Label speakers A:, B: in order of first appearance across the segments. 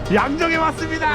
A: 양정에 왔습니다.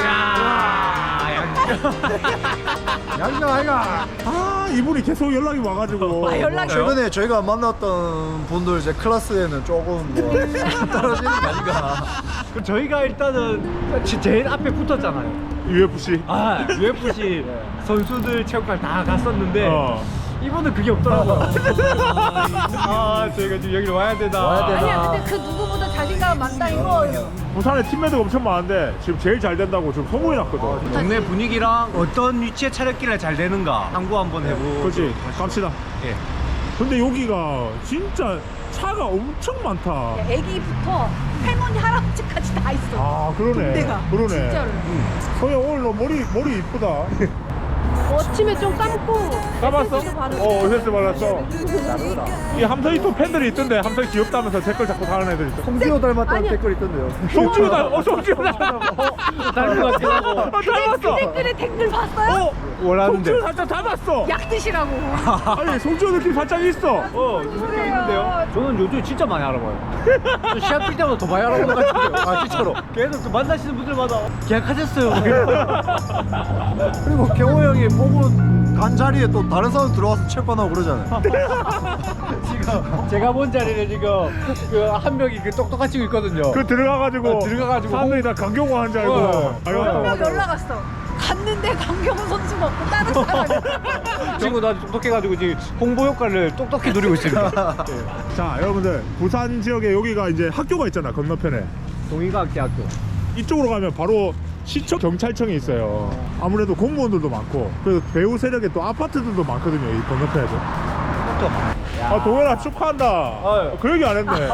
B: 양정 아이가.
A: 아 이분이 계속 연락이 와가지고.
C: 연락이
B: 최근에 저희가 만났던 분들 이제 클래스에는 조금 뭐 떨어지는 거 아닌가.
D: 그 저희가 일단은 제일 앞에 붙었잖아요.
A: UFC.
D: 아, UFC 선수들 체육관 다 갔었는데
A: 어.
D: 이분은 그게 없더라고요. 아, 저희가 지금 여기로 와야 되나.
B: 와야 되나.
C: 아니야 근데 그 누구보다 자신감 많다 이거.
A: 부산에 팀매트가 엄청 많은데 지금 제일 잘 된다고 지금 소문이 났거든.
D: 동네 분위기랑 어떤 위치에 차렸길래 잘 되는가 참고 한번 해보고.
A: 그렇지. 갑시다.
D: 예.
A: 근데 여기가 진짜 차가 엄청 많다.
C: 애기부터 할머니 할아버지까지 다 있어.
A: 아 그러네.
C: 군대가.
A: 그러네.
C: 진짜로.
A: 소야 오늘 너 머리 이쁘다.
C: 아침에 좀 감고.
A: 까봤어?
C: 에센스도 바르고.
A: 에센스 발랐어. 이 함성이 또 팬들이 있던데 함성이 귀엽다면서 댓글 자꾸 다는 애들 있어.
B: 송지효 닮았다는
C: 아니야.
B: 댓글 있던데요.
A: 송지효 송지효 닮았어.
D: 닮은 것 같기도 하고.
A: 닮았어.
C: 댓글에 댓글 봤어요?
D: 원하는데.
A: 송지효 살짝 닮았어.
C: 약 드시라고.
A: 아니 송지효 느낌 살짝 있어.
D: 느낌 있는데요? 저는 요즘 진짜 많이 알아봐요. 저 시합 뛸 때마다 더 많이 알아보는 것 같은데요. 아, 진짜로. 계속 그 만나시는 분들마다 계약하셨어요.
B: 그리고 경호 형이 보고 간 자리에 또 다른 사람 들어와서 체육관하고 그러잖아요.
D: 지금 제가 본 자리를 지금 그 한 명이 그 똑똑한 친구 있거든요.
A: 그 들어가가지고
D: 들어가가지고
A: 사람들이 다 강경호 한줄 알고. 아이고.
C: 한 명 연락 왔어. 갔는데 강경훈 선수가 없고 다른 사람이.
D: 친구도 아주 똑똑해가지고 지금 홍보 효과를 똑똑히 누리고 있습니다.
A: 자 여러분들 부산 지역에 여기가 이제 학교가 있잖아 건너편에.
D: 동의과학대학교.
A: 이쪽으로 가면 바로 시청 경찰청이 있어요. 아무래도 공무원들도 많고 그래서 배우 세력에 또 아파트들도 많거든요 이 건너편에도. 아 동현아 축하한다.
D: 아유.
A: 그 얘기 안 했네.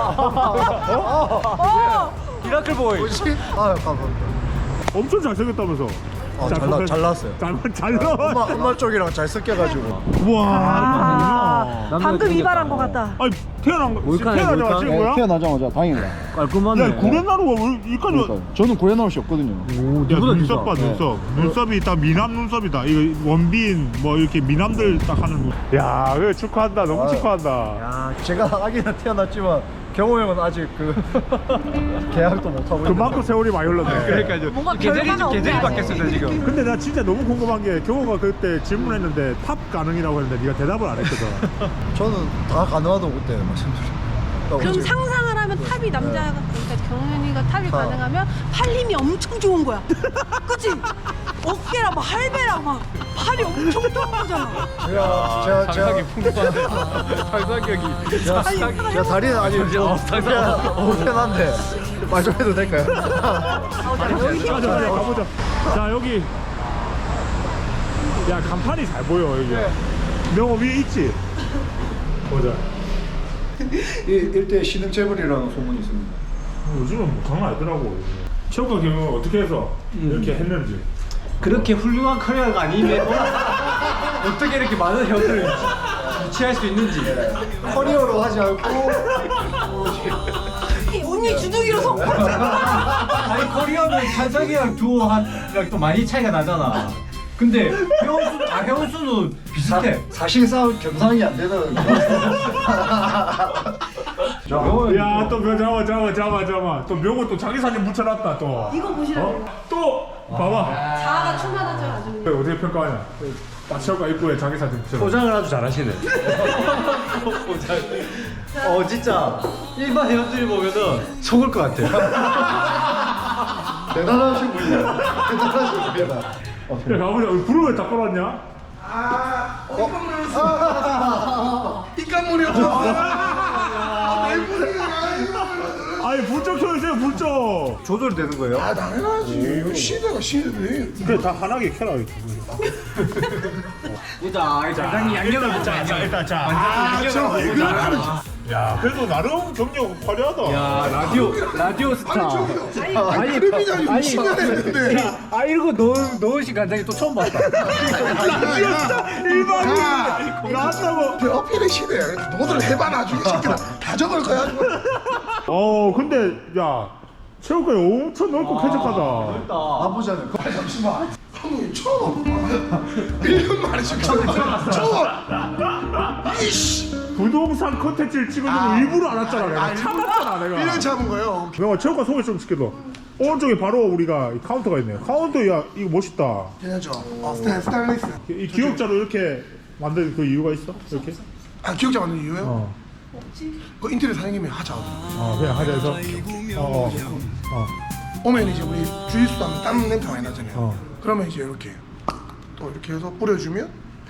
D: 미라클 보이.
B: 아 감사합니다.
A: 엄청 잘생겼다면서.
B: 아, 잘 나왔어요.
A: 잘 나와.
B: 엄마 쪽이랑 잘 섞여가지고.
A: 우와.
C: 방금 이발한 것 같다.
A: 아니 태어나자마자 찍은 거야?
E: 태어나자마자 다행이다.
D: 깔끔하네.
A: 야 구렛나루가 왜 여기까지.
E: 저는 고래나올 씨 없거든요.
A: 야 눈썹 봐 눈썹. 눈썹이 딱 미남 눈썹이다. 이거 원빈 뭐 이렇게 미남들 딱 하는 눈. 야 그래 축하한다. 너무 축하한다.
B: 야, 제가 아기는 태어났지만 경호 형은 아직 그 계약도 못 하고.
A: 그만큼 세월이 많이 흘렀네.
D: 그러니까요.
C: 뭔가
D: 계절이
C: 결과가
D: 좀 계절이
C: 없네,
D: 바뀌었습니다 지금.
A: 근데 나 진짜 너무 궁금한 게 경호가 그때 질문했는데 탑 가능이라고 했는데 네가 대답을 안 했거든.
B: 저는 다 가능하다고 그때 말씀드렸어요.
C: 그럼 상상을 하면 탑이 남자가 그러니까 경현이가 탑이 가능하면 팔림이 엄청 좋은 거야. 그치? 어깨랑 막 할배랑 막 팔이 엄청 좋은 거잖아.
D: 상상이 풍부한. 상상력이.
B: 제가 다리는 아직 좀 편한데 말 좀 해도 될까요?
A: 가자 가보자. 자 여기 야 간판이 잘 보여 여기. 명호 위에 있지? 보자.
B: 일대 신흥재벌이라는 소문이 있습니다.
A: 요즘은 뭐 장난 아니더라고. 체육과 경영 어떻게 해서 이렇게 했는지.
D: 그렇게 훌륭한 커리어가 아니면 어떻게 이렇게 많은 형들을 유치할 수 있는지.
B: 커리어로 하지 않고
C: 언니 주둥이로 성.
D: 아니 커리어는 찬석이랑 두호랑 또 많이 차이가 나잖아. 근데 형수는 비슷해.
B: 사실상 경상이 안 되는.
A: 야또 잠깐만 또 명호 또 자기 사진 붙여놨다 또.
C: 이거 보시라고.
A: 또 봐봐.
C: 자아가 충만하죠 아주.
A: 어떻게 평가하냐? 딱 체육과 입구에 자기 사진 붙여.
D: 포장을 아주 잘하시네. 진짜 일반 회원들이 보면은 속을 것 같아.
B: 대단하신 분이야. 대단하신 분이다.
A: 야 가보자. 불을 왜 다 꺼놨냐?
B: 입간물이 없어.
A: 아니 불좀 켜주세요 불좀.
D: 조절되는 거예요?
F: 당연하지. 이거 시대네.
A: 그래 다 환하게 켜라.
D: 보자. 장이 양념을 먹자.
A: 일단 자.
F: 왜 그러는
A: 야 그래도 나름 경력 화려하다.
D: 야 라디오 스타.
F: 아니 그림이잖아. 60년 했는데.
D: 아 이런 거 넣으신 간장이 또 처음 봤다.
A: 일반인 나왔다고.
F: 어필의 시대야. 너들 해봐 나중에 새끼들 다 적을 거야.
A: 근데 야 체육관이 엄청 넓고 쾌적하다.
B: 나쁘지 않아요.
F: 잠시만. 한국이 처음. 1년 만에 지금 처음. 이씨.
A: 부동산 컨텐츠를 찍어주는 일부러 안 왔잖아. 내가 참았잖아 내가.
F: 1년 참은 거예요.
A: 명아 체육관 소개 좀 시켜줘. 오른쪽에 바로 우리가 이 카운터가 있네요. 카운터 야 이거 멋있다.
F: 괜찮죠? 스테인리스.
A: 이 기역자로 이렇게 만든 그 이유가 있어? 이렇게?
F: 아 기억자 만든 이유요?
A: 어.
F: 그 인테리어 사장님이 하자.
A: 그냥 하자 해서.
F: 오면 이제 우리 주짓수 하면 땀 냄새 많이 나잖아요.
A: 어.
F: 그러면 이제 이렇게 또 이렇게 해서 뿌려주면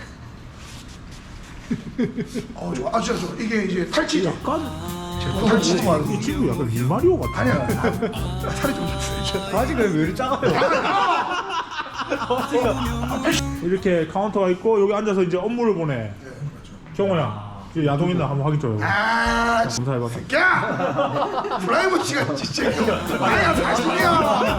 F: 좋아. 아 진짜 좋아. 이게 이제 탈취죠.
A: 약간
F: 탈취.
A: 이 친구 약간 리마리오 같아.
F: 아니야. 살이 좀 쪘어요. 이제.
D: 바지가 왜 이렇게 작아요?
A: 이렇게 카운터가 있고 여기 앉아서 이제 업무를 보내. 경호야, 이제 야동 있나 한번 확인 좀 해봐.
F: 아
A: 검사해봐.
F: 야! 프라이버시가 진짜 아야 사실이야.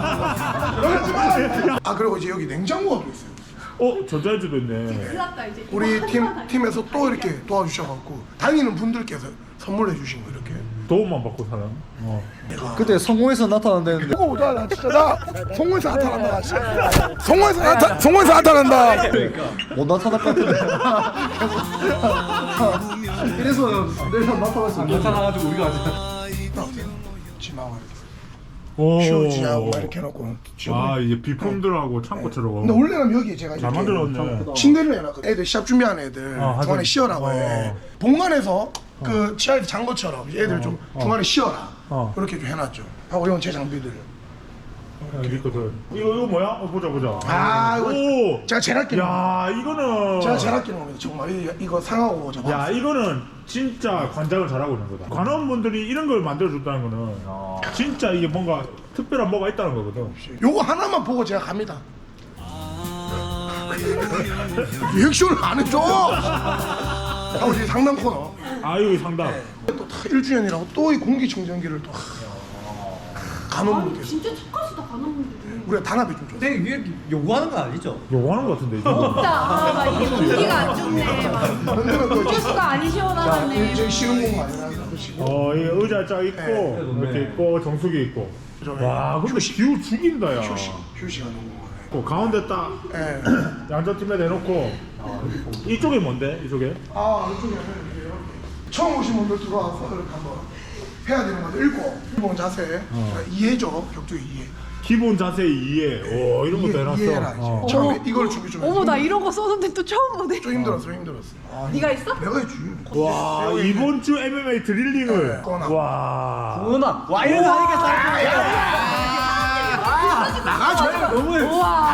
F: 아 그리고 이제 여기 냉장고가 또 있어요.
A: 전자레인지도 있네.
C: 큰일 났다 이제.
F: 우리 팀에서 또 이렇게 도와주셔갖고 다니는 분들께서 선물해 주신 거 이렇게.
A: 도움만 받고 사는.
B: 그때 성공해서 나타난다는데
F: 나 진짜 나 성공해서 나타난다. 성공해서 나타난다.
B: 못 나타날 것 같은데. 이래서 내가 나타났어.
D: 안 나타나가지고 우리가 아직.
F: 지나와
A: 오.
F: 휴지하고 이렇게 해놓고.
A: 이제 비품들하고 창고처럼.
F: 근데 원래는 여기 제가
A: 잘
F: 이렇게
A: 만들었네.
F: 침대를 해놨거든. 애들 시합 준비하는 애들
A: 하긴.
F: 중간에 쉬어라고 해. 본관에서 그 치아에서 잔 것처럼 애들 좀 중간에 쉬어라. 그렇게 좀 해놨죠. 하고 이건 제 장비들.
A: 있거든. 이거 뭐야? 보자.
F: 아 이거
A: 오.
F: 제가 제일 아끼는 거.
A: 야 이거는.
F: 제가 제일 아끼는 겁니다. 정말 이거 상하고 저거.
A: 야 이거는 진짜 관장을 잘하고 있는 거다. 관원분들이 이런 걸 만들어줬다는 거는 진짜 이게 뭔가 특별한 뭐가 있다는 거거든.
F: 요거 하나만 보고 제가 갑니다. 리액션을 안 해줘. 하고 이제 상담 코너.
A: 여기 상담.
F: 또 다 1주년이라고 또 이 공기청정기를 또 간호분께서
C: 진짜 착하시다 간호분들이.
F: 우리가 단합이 좀 좋아.
D: 근데 이게 요구하는 건 아니죠?
A: 요거하는 거 같은데 이거.
C: 없다. 막 이게 공기가 안 좋네. 막
F: 흔들어 또 이제
C: 주스가 안 시원하네.
F: 저희 쉬는 공간이라 그러시고.
A: 이 의자 쫙 있고 이렇게 있고 정수기 있고. 와 근데 기후 죽인다 야.
F: 휴식하는 공간.
A: 가운데 딱
F: 예.
A: 양자팀에 내놓고 이쪽이 뭔데? 이쪽에?
F: 이쪽에 이렇게 처음 오신 분들 들어와서 이렇게 한번 해야 되는 거죠. 읽고 기본 자세 이해죠. 격투 이해.
A: 기본 자세 이해. 오 이런 것도 해놨어.
F: 이해라 이제. 처음에 이걸 준비 좀
C: 어머
F: 해서
C: 나 이런 거 썼는데 또 처음 보네.
F: 좀 힘들었어.
C: 네가 있어?
F: 내가 했지.
A: 와 이번 주 MMA 드릴링을.
F: 꺼나.
A: 와.
D: 누나 와 이런 거 하니까
F: 나가줘.
D: 너무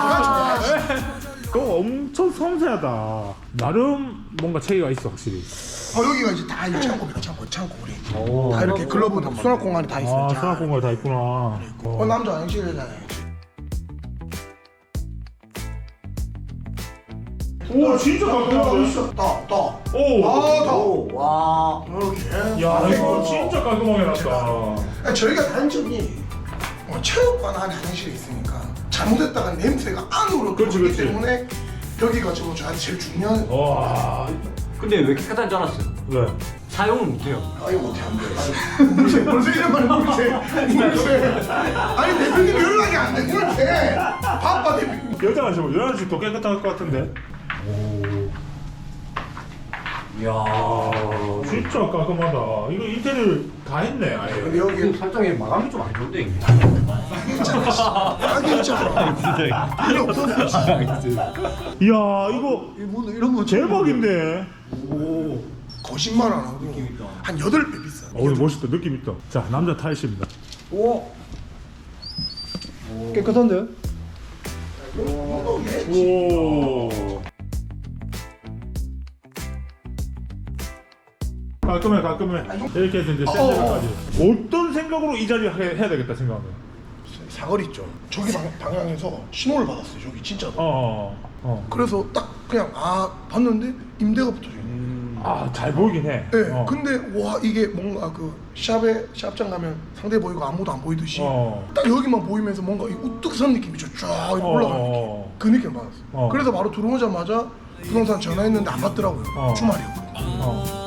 A: 그거 엄청 섬세하다. 나름 뭔가 체계가 있어 확실히.
F: 여기가 이제 다 이 창고입니다. 창고 우리. 다 이렇게 글러브 수납 공간이 다 있어요. 자,
A: 수납 공간 다 있구나.
F: 남자 화장실이잖아요.
A: 오 진짜 깔끔한데?
F: 더.
A: 오.
F: 더.
D: 와.
F: 이렇게.
A: 야 이거 진짜 깔끔하게 놨다.
F: 저희가 단점이 체육관 안에 화장실이 있으니까 잘못했다가 냄새가 안으로
A: 그렇지,
F: 들어오기
A: 그렇지.
F: 때문에 여기가 지금 저한테 제일 중요한.
A: 와.
D: 근데 왜 이렇게 깨끗한 줄 알았어요?
A: 왜?
D: 사용을 못해요.
F: 이거 못해 안 돼. 벌써 이런 말을 물세. 아니 대표님 연락이 안 돼. 물세. 바빠 대표님.
A: 여자가 지금 여자는 더 깨끗할 것 같은데. 오. 이야 진짜 깔끔하다. 이거 인테리어 다 했네 아예.
F: 근데 여기
D: 살짝의 마감이 좀 안 좋은데 이게.
F: 딱이 있잖아. 필요 없었어.
A: 이야 이거
B: 이런 거
A: 대박인데.
F: 거짓말 안 하고 한 8배 비싸.
A: 오늘 멋있다. 느낌 있다. 자 남자 타이십니다.
B: 오. 깨끗한데?
A: 오. 깔끔해. 이렇게 해서 이제 샌드까지. 어떤 생각으로 이 자리 해야 되겠다 생각하면.
F: 사거리 있죠. 저기 방향에서 신호를 받았어요. 저기 진짜로.
A: 그래서
F: 그래서 딱 그냥 봤는데 임대가 붙어져 있네.
A: 잘 보이긴 해.
F: 네, 근데 와 이게 뭔가 그 샵장 가면 상대 보이고 아무도 안 보이듯이 딱 여기만 보이면서 뭔가 이 우뚝 선 느낌이 쫙 이렇게 올라가는 느낌. 그 느낌 받았어. 그래서 바로 들어오자마자 부동산 전화했는데 안 받더라고요. 주말이었거든요.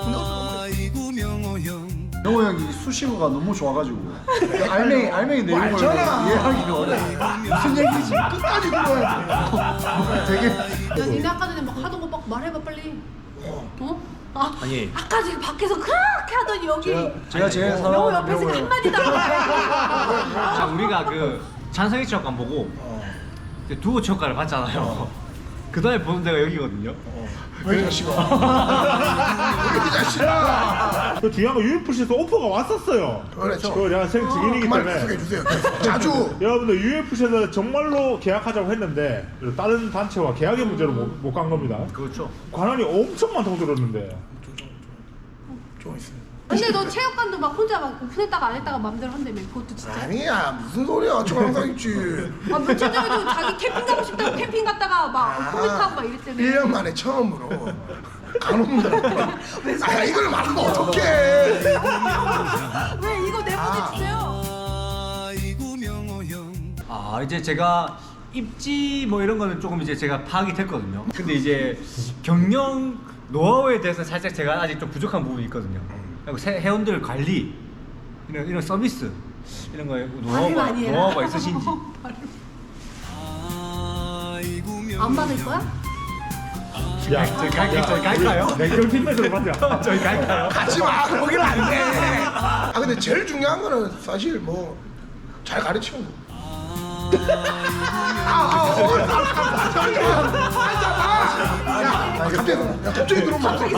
B: 영호 형이 수식어가 너무 좋아가지고 알맹이 내용을
F: 알잖아.
B: 이해하기가 어려워.
F: 무슨 얘기지? 끝까지 들어야 돼.
B: 되게
C: 야 니네 아까 전에 막 하던 거 막 말해봐 빨리. 어?
D: 아니.
C: 아까 저기 밖에서 그렇게 하더니 여기
B: 제가 제일
C: 영호
B: 사랑하는
C: 옆에서
B: 명호예요.
C: 한마디도 안 하고.
D: 자, 우리가 그 찬성이 체육관 보고 이제 두호 체육관을 봤잖아요. 그 다음에 보는 데가 여기거든요.
F: 왜 이 자식아? 왜 이 자식아?
A: 그 중요한 건 UFC에서 오퍼가 왔었어요.
F: 그렇죠.
A: 그거 내가 생 증인이기
F: 그말
A: 때문에.
F: 계속해 주세요. 자주.
A: 여러분들 UFC에서 정말로 계약하자고 했는데 다른 단체와 계약의 문제로 못 간 겁니다.
D: 그렇죠.
A: 관원이 엄청 많다고 들었는데.
F: 좀 있어.
C: 근데 너 체육관도 막 혼자 막 오픈했다가 안 했다가 맘대로 한다며. 그것도 진짜.
F: 아니야 무슨 소리야? 저 항상 있지.
C: 아, 며칠 전에도 자기 캠핑 가고 싶다고 캠핑 갔다가 막 코멘트하고 막 이랬다며.
F: 1년 만에 처음으로 간호분들한테 아 이걸 말하면 어떡해.
C: 왜 이거 내보내주세요.
D: 아, 이제 제가 입지 뭐 이런 거는 조금 이제 제가 파악이 됐거든요. 근데 이제 경영 노하우에 대해서 살짝 제가 아직 좀 부족한 부분이 있거든요. 그리고 회원들 관리 이런 서비스 이런 거에 노하우가 있으신지.
C: 안 받을 거야?
A: 야,
D: 저희 갈까요?
A: 냉정팀에서 맞자.
D: 저희 갈까요?
F: 가지마 거기는 안 돼. 아 근데 제일 중요한 거는 사실 뭐 잘 가르치는 거. 갑자기 들어오면
C: 갑자기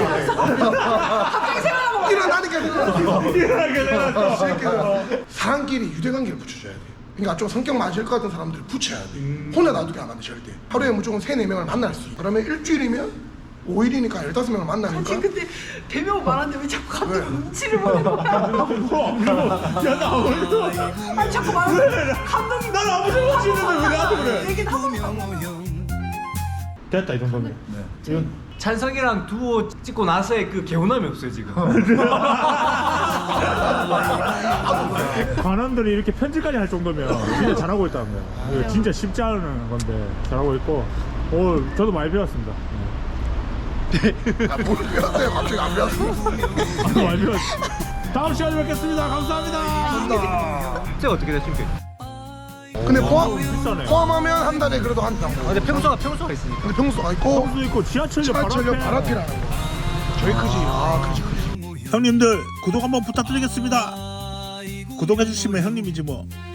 C: 생각나고
F: 일어나니까
A: 일어나게 되었어.
F: 사람끼리 유대관계를 붙여줘야 돼. 그러니까 좀 성격 맞을 것 같은 사람들을 붙여야 돼. 혼자 놔두게 안 하면 절대. 하루에 무조건 3-4명을 만날 수 있어. 그러면 일주일이면 5일이니까 15명을 만나니까.
C: 근데 대명 말하는데 왜 자꾸 갑자기
F: 왜?
C: 눈치를 보는 거야?
A: 야, 나 아무래도.
C: 아니 자꾸 말하는데 감독이
A: 난 아무 생각 없이 있는데 왜 나한테 그래?
C: 얘기는 하고
A: 됐다, 이 정도면. 이건
D: 찬성이랑 두호 찍고 나서의 그 개운함이 없어요 지금.
A: 관원들이 이렇게 편집까지 할 정도면 진짜 잘하고 있다는 거야. 이거 진짜 쉽지 않은 건데 잘하고 있고. 저도 많이 배웠습니다.
F: 뭘 배웠어요? 갑자기 안 배웠어.
A: 많이 배웠어. 다음 시간에 뵙겠습니다. 감사합니다.
D: 제가 어떻게 되십니까?
F: 근데
A: 비싸네.
F: 포함하면 한 달에 그래도 한 장.
D: 근데 평소가 있으니까.
F: 근데 평수가 있고
A: 호수 있고 지하철역 바로
F: 지하철역
A: 앞에.
F: 바로 앞이라는 거. 저희 크지. 아 크지.
G: 형님들 구독 한번 부탁드리겠습니다. 구독해주시면 형님이지 뭐.